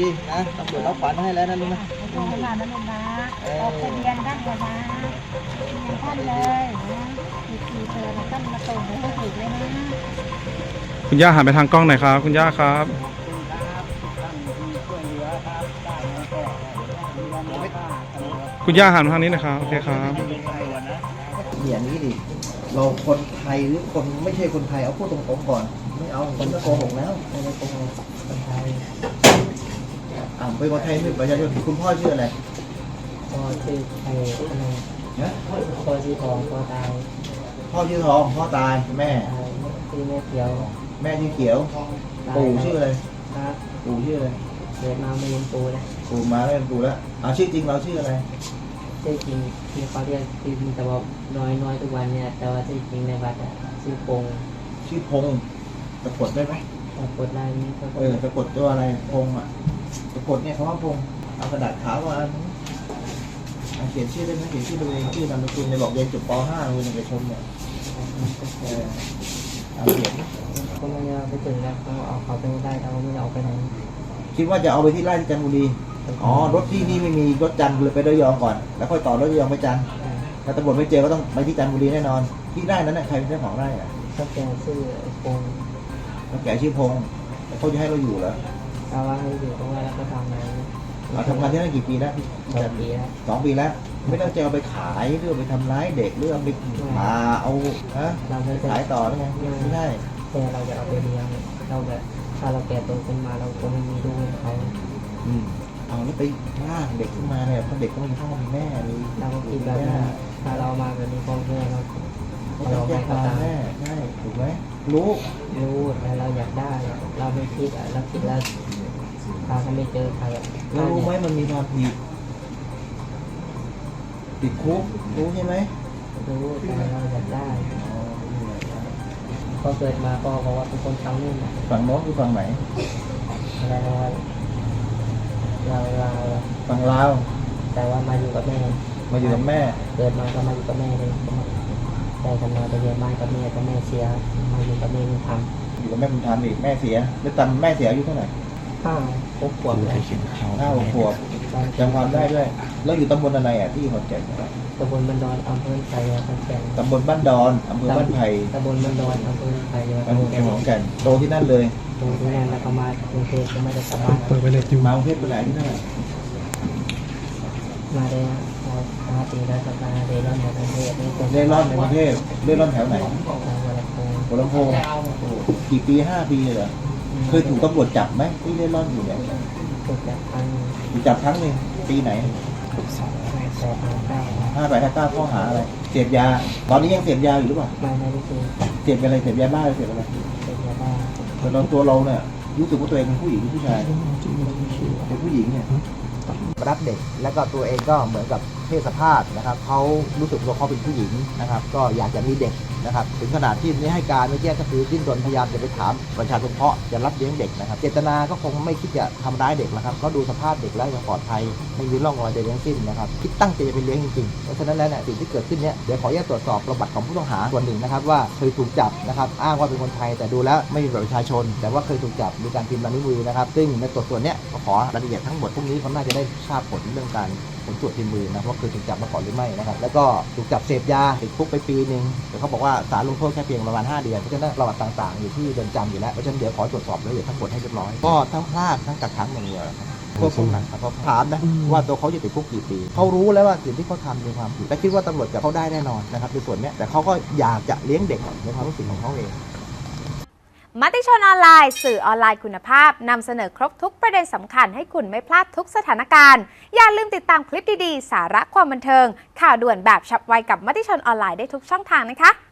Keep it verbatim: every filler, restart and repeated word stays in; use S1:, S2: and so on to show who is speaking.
S1: นะตำรวจรับฝันให้แล้วนะลุงนะ
S2: ขอบคุณมากนะลุงนะออกทะเบียนท่านเลยนะท่านเลยนะมีทีเธอท่านมาส่งให้ถูกเลยนะ
S3: คุณย่าหันไปทางกล้องหน่อยครับคุณย่าครับคุณย่าหันมาทางนี้นะครับโอเคครับ
S1: อย่างนี้ดิเราคนไทยหรือคนไม่ใช่คนไทยเอาพูดตรงๆก่อนไม่เอาคนก็โกหกแล้วไม่ได้โกหกคนไทยอ่าเป็นคนไทยไม่ประชาชนคุณพ่อชื่ออะไร
S4: พ่อชื่อไทยอะไร
S1: นะ
S4: พ่อชื่อทองพ่อตาย
S1: พ่อชื่อทองพ่อตายแม่
S4: ชื่อแม่เขียว
S1: แม่ชื่อเขียวปู่ชื่ออะไร
S4: ครับ
S1: ปู่ชื่ออะไร
S4: เกิดมาไม่เรียนปู่เลย
S1: ปู่มาไม่เป็นปู่แล้วเอาชื่อจริงเราชื่ออะไร
S4: ชื่อจริงที่เขาเรียกจริงแต่ว่าน้อยน้อยทุกวันเนี่ยแต่ว่าชื่อจริงในบัตรชื่อพง
S1: ชื่อพงสะกดได้ไหม
S4: สะกดได้ไหม
S1: เออสะกดตัวอะไรพงอ่ะสะกดเนี่ยคำว่าพงเอากระดาษขาวมาเขียนชื่อได้ไหมเขียนชื่อตัวเองชื่อนามสกุลในบอกเรียนจบป .ห้า โรงเรียนเอกชนเนี่ยเออเอาเขียน
S4: ก็ไม่เอาไปถึงแล้วเขาเอาเขาไปไม่ได้เราไม่เอาไปไหน
S1: คิดว่าจะเอาไปที่ไร่ที่จันทบุรีอ๋อรถที่นี่ไม่มีรถจันทร์เลยไประยองก่อนแล้วค่อยต่อรถระยองไปจันทร์ถ้าตำรวจไม่เจอก็ต้องไปที่จันทบุรีแน่นอนที่ไร่นั้นน่ะใครเป็นเจ้าของไร่อ่ะ
S4: เขาแก่ชื่อพง
S1: เขาแก่ชื่อพงเขาจะให้เราอยู่เหรอ
S4: เอาว่าให้อยู่เพราะว่าเราก็ทำงาน
S1: เราทำงานที่นั่นกี่ปีแล้ว
S4: สองปีแล้ว
S1: สองปีแล้วไม่ต้องจะเอาไปขายหรือไปทำร้ายเด็กหรือเอาไปมาเอาฮะขายต่อหรือไงไม่ได้
S4: แต่เราจะเอาไปเลี้ยงเราแบบถ้าเราแก่โตขึ้นมาเราคงไม่มีลูกให้เขา
S1: อืมเอาแล้วไปล่างเด็กขึ้นมาเนี่ยเพราะเด็กก็มีพ่อมีแม่มี
S4: เราก็คิดแบบนั้นถ้าเรามาแบบนี้พ่อแม่เรา
S1: เราให้เขาตามแม่ใช่ถูกไหมรู้
S4: รู้แต่เราอยากได้เราไม่คิดอ่ะเราคิดแล้วถ้าเขาไม่เจอใคร
S1: เรารู้ไหมมันมีความผิดติดคุกรู้ใช่ไหม
S4: รู้แต่เราอยากได้พอเกิดมาก็บอกว่าเป็นคนทำนู่น
S1: ฝั่งโน้นคือฝั่งไหน
S4: เราเราเรา
S1: ฝั่งลาว
S4: แต่ว่ามาอยู่กับแม่
S1: มาอยู่กับแม่
S4: เกิดมาก็มาอยู่กับแม่เลยแต่กันมาไปเรียนบ้านกับแม่กับแม่เสียมาอยู่กับแม่บุญธรรม
S1: อยู่กับแม่บุญธรรมอีกแม่เสียแล้วตอนแม่เสียอายุเท่าไหร่
S4: ห้าหกขวบเลย
S1: ห้าหกขวบจำความได้ด้วยแล้วอยู่ตำบลอะไรอ่ะที่ขอนแก่น
S4: ตำบลบ้านดอนอำเภอไผ่ขอนแก่น
S1: ตำบลบ้านดอนอำเภอบ้านไผ่
S4: ตำบลบ้านดอนอำเภอไผ่
S1: ขอนแก่นโตที่นั่นเลย
S4: โตที่นั่นแล้วก็มากรุงเทพก็ไม่ได้กลับบ้าน
S3: เปิดไปเลย
S1: มากรุงเทพเป็นไหนที่นั่น
S4: มาได้ห้าปีแล้วก็มาเร่ร่อนในกรุงเทพ
S1: เร่ร่อนในกรุงเทพเร่ร่อนแถวไหนหัวลำโพงกี่ปีห้าปีเลยเหรอเคยถูกตำรวจจับไหมที่เร่ร่อนอยู่เนี่ย
S4: ถูกจับครั้ง
S1: ถูกจับครั้งหนึ่งปีไหนห้าแปดห้าเก้าข้อหาอะไรเสพยาตอนนี้ยังเสพยาอยู่หรือเปล่า
S4: ไม่ไม่ได้
S1: เสพอะไรเสพยาบ้าหรือเสพอะไร
S4: เสพยาบ้า
S1: แต่ตอนตัวเราเนี่ยรู้สึกว่าตัวเองเป็นผู้หญิงหรือผู้ชายเป็นผู้หญิงเนี่ยรับเด็กแล้วก็ตัวเองก็เหมือนกับเพศสภาพนะครับเขารู้สึกว่าเขาเป็นผู้หญิงนะครับก็อยากจะมีเด็กนะครับถึงขนาดที่นี้ให้การไม่แจ้งก็คือดิ้นรนพยายามจะไปถามประชาชนเพาะจะรับเลี้ยงเด็กนะครับเจตนาก็คงไม่คิดจะทำร้ายเด็กนะครับก็ดูสภาพเด็กแล้วยังปลอดภัยไม่มีร่องรอยใดทั้งสิ้นนะครับคิดตั้งใจจะไปเลี้ยงจริงๆเพราะฉะนั้นแล้วเนี่ยสิ่งที่เกิดขึ้นเนี่ยเดี๋ยวขออนุญาตตรวจสอบประวัติของผู้ต้องหาส่วนหนึ่งนะครับว่าเคยถูกจับนะครับอ้างว่าเป็นคนไทยแต่ดูแล้วไม่มีบัตรประชาชนแต่ว่าเคยถูกจับมีการพิมพ์ลายนิ้วมือนะครับซึ่งในตรวจส่วนเนี้ยก็ขอรายละเอียดทั้งหมดพวกนี้เขาน่าจะได้ทราบผลเรื่องการผลตรวจพิมพ์มือนะว่าเคยถูกจับมาก่อนหรือไม่นะครับแล้วก็ถูกจับเสพยาติดคุกไปปีนึงแต่เขาบอกว่าศาลลงโทษแค่เพียงประมาณห้าเดือนเพราะฉะนั้นประวัติต่างๆอยู่ที่เรือนจำอยู่แล้วเพราะฉะนั้นเดี๋ยวขอตรวจสอบรายละเอียดทั้งหมดให้เรียบร้อยก็ทั้งพลาดทั้งกักขังอย่างเดียวพวกผมนะครับเขาถามนะว่าตัวเขาจะติดคุกกี่ปีเขารู้แล้วว่าสิ่งที่เขาทำเป็นความผิดและคิดว่าตำรวจจะเขาได้แน่นอนนะครับในส่วนนี้แต่เขาก็อยากจะเลี้ยงเด็กในความรู้สึกของเขาเอง
S5: มติชนออนไลน์สื่อออนไลน์คุณภาพนำเสนอครบทุกประเด็นสำคัญให้คุณไม่พลาดทุกสถานการณ์อย่าลืมติดตามคลิปดีๆสาระความบันเทิงข่าวด่วนแบบฉับไวกับมติชนออนไลน์ได้ทุกช่องทางนะคะ